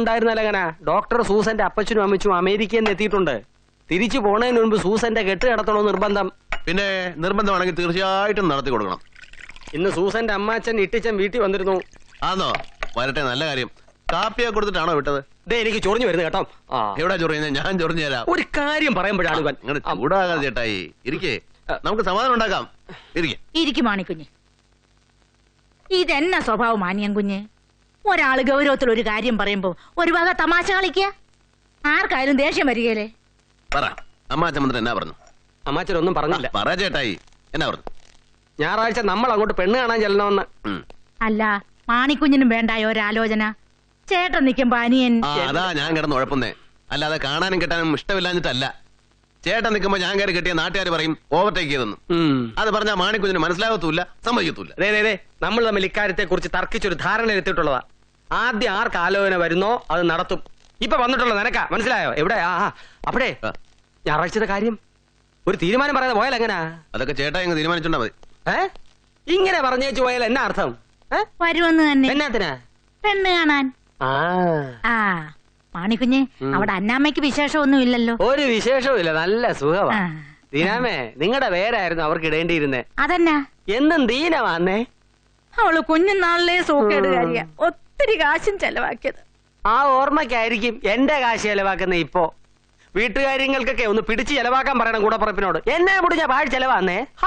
ഉണ്ടായിരുന്നല്ല അങ്ങനെ ഡോക്ടർ സൂസന്റെ അപ്പച്ചനും അമ്മച്ചും അമേരിക്കയിൽ നിന്ന് എത്തിയിട്ടുണ്ട്. തിരിച്ചു പോണതിന് മുൻപ് സൂസന്റെ കെട്ട് കിടത്തണോ നിർബന്ധം. പിന്നെ നിർബന്ധമാണെങ്കിൽ തീർച്ചയായിട്ടും നടത്തി കൊടുക്കണം. ഇന്ന് സൂസന്റെ അമ്മാച്ചൻ ഇട്ടിച്ചൻ വീട്ടിൽ വന്നിരുന്നു. ആന്നോ? വരട്ടെ, നല്ല കാര്യം. കാപ്പിയൊക്കെ കൊടുത്തിട്ടാണോ വിട്ടത്? ദേ എനിക്ക് ചൊറിഞ്ഞു വരുന്നു കേട്ടോ. എവിടെ ചൊറിയുന്നത്? ഞാൻ ചൊറിഞ്ഞു തരാം. ഒരു കാര്യം പറയുമ്പോഴാണ് ഇവൻ. അങ്ങനെ ചൂടാകാതെ ചേട്ടായി. ഇരിക്കേ, നമുക്ക് സമാധാനം ഉണ്ടാക്കാം. ഇരിക്കും മാണിക്കുഞ്ഞ്. ഇതെന്നാ സ്വഭാവം മാനിയം കുഞ്ഞ്? ഒരാള് ഗൗരവത്തിൽ ഒരു കാര്യം പറയുമ്പോ ഒരു വക തമാശ കളിക്കുക. ആർക്കായാലും ദേഷ്യം വരികയല്ലേ? പറ, അമ്മാച്ചൻ മന്ത്രി എന്നാ പറഞ്ഞു? അമ്മാച്ചൻ ഒന്നും പറഞ്ഞില്ല. പറ ചേട്ടായി, എന്നാ പറഞ്ഞു? ഞായറാഴ്ച നമ്മൾ അങ്ങോട്ട് പെണ്ണ് കാണാൻ ചെല്ലണമെന്ന്. അല്ല, മാണിക്കുഞ്ഞിനും വേണ്ടായോ ഒരാലോചന? ചേട്ടൻ നിൽക്കുമ്പോ അനിയൻ. അതാ ഞാൻ കിടന്ന് ഉഴപ്പുന്നേ. അല്ലാതെ കാണാനും കിട്ടാനും ഇഷ്ടമില്ലാഞ്ഞിട്ടല്ല. ചേട്ടൻ നിൽക്കുമ്പോ ഞാൻ കയറി കിട്ടിയ നാട്ടുകാർ പറയും ഓവർടേക്ക് ചെയ്തെന്ന്. അത് പറഞ്ഞാൽ മാണിക്കുഞ്ഞിന് മനസ്സിലാകത്തൂല്ല, സമ്മതിക്കത്തൂല്ല. നമ്മൾ തമ്മിൽ ഇക്കാര്യത്തെ കുറിച്ച് തർക്കിച്ചൊരു ധാരണ എത്തിയിട്ടുള്ളതാ. ആദ്യം ആർക്ക് ആലോചന വരുന്നോ അത് നടത്തും. ഇപ്പൊ വന്നിട്ടുള്ള നിനക്കാ, മനസ്സിലായോ? എവിടെ അപ്പഴേ ഞായറാഴ്ചത്തെ കാര്യം ഒരു തീരുമാനം പറയാതെ പോയാൽ എങ്ങനാ? അതൊക്കെ ചേട്ടാ ഇങ്ങ് തീരുമാനിച്ചോണ്ടാ മതി. ഇങ്ങനെ പറഞ്ഞേച്ചു പോയാൽ എന്നാ അർത്ഥം? വരുമെന്ന് തന്നെ. എന്നാത്തിനാ? പെണ്ണ് കാണാൻ. മാണിക്കുഞ്ഞ്, അവിടെ അന്നാമ്മയ്ക്ക് വിശേഷമൊന്നും ഇല്ലല്ലോ? ഒരു വിശേഷവും ഇല്ല, നല്ല സുഖമാ. ദീനാമേ, നിങ്ങളുടെ പേരായിരുന്നു അവർക്ക് ഇടേണ്ടിയിരുന്നേ. അതെന്നാ? എന്നും ദീനമാന്നേ. അവള് കുഞ്ഞുനാളിലെ സൂക്കേടുകാരിയ, ഒത്തിരി കാശും ചെലവാക്കിയത്. ആ ഓർമ്മയ്ക്കായിരിക്കും എന്റെ കാശ് ചെലവാക്കുന്ന. ഇപ്പോ വീട്ടുകാര്യങ്ങൾക്കൊക്കെ ഒന്ന് പിടിച്ച് ചെലവാക്കാൻ പറയണം കൂടപ്പുറപ്പിനോട്. എന്നെ മുടി ഞാൻ പാഴ് ചെലവാന്നേ.